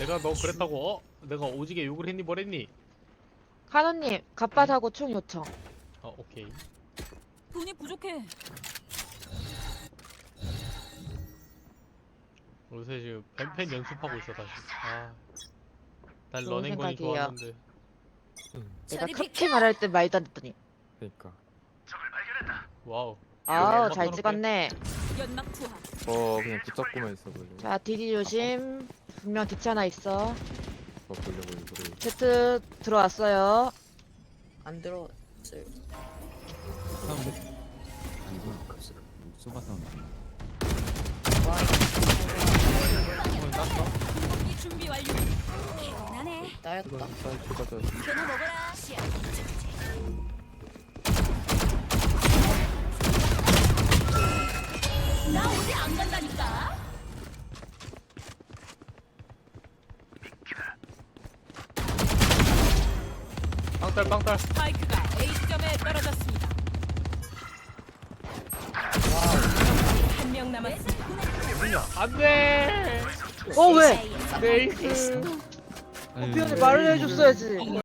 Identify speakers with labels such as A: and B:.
A: 내가 너 그랬다고 내가 오지게 욕을 했니 뭐랬니?
B: 카노님 갑바사고 총 요청.
A: 오케이.
C: 돈이 부족해.
A: 요새 지금 뱀펜 연습하고 있어 다시. 난
B: 좋은
A: 런앤건이
B: 생각이에요.
A: 좋았는데.
B: 내가
C: 저리
B: 탑키
C: 비켜!
B: 말할 때 말도 안 듣더니.
D: 그러니까.
A: 와우.
B: 아우
A: 연막
B: 잘
A: 끊을게.
B: 찍었네.
C: 연막 투하.
D: 그냥 붙잡고만 있어 보려고.
B: 자 디디 조심. 분명 뒤치 하나 있어.
D: 보려고 일부러.
B: Z 들어왔어요.
E: 안 들어왔어요.
F: 소바 사운드.
A: 한번 땄어?
C: 공기 준비 완료. 개운하네.
E: 나였다.
D: 추가자.
C: 걔는 먹어라. 시야. 나 어디 안 간다니까.
A: 빵딸.
C: 스파이크가 A 지점에 떨어졌습니다. 한 명 남았습니다.
A: 뭐냐? 안돼.
B: 왜?
A: 네이스.
B: 미안해 말을 해줬어야지.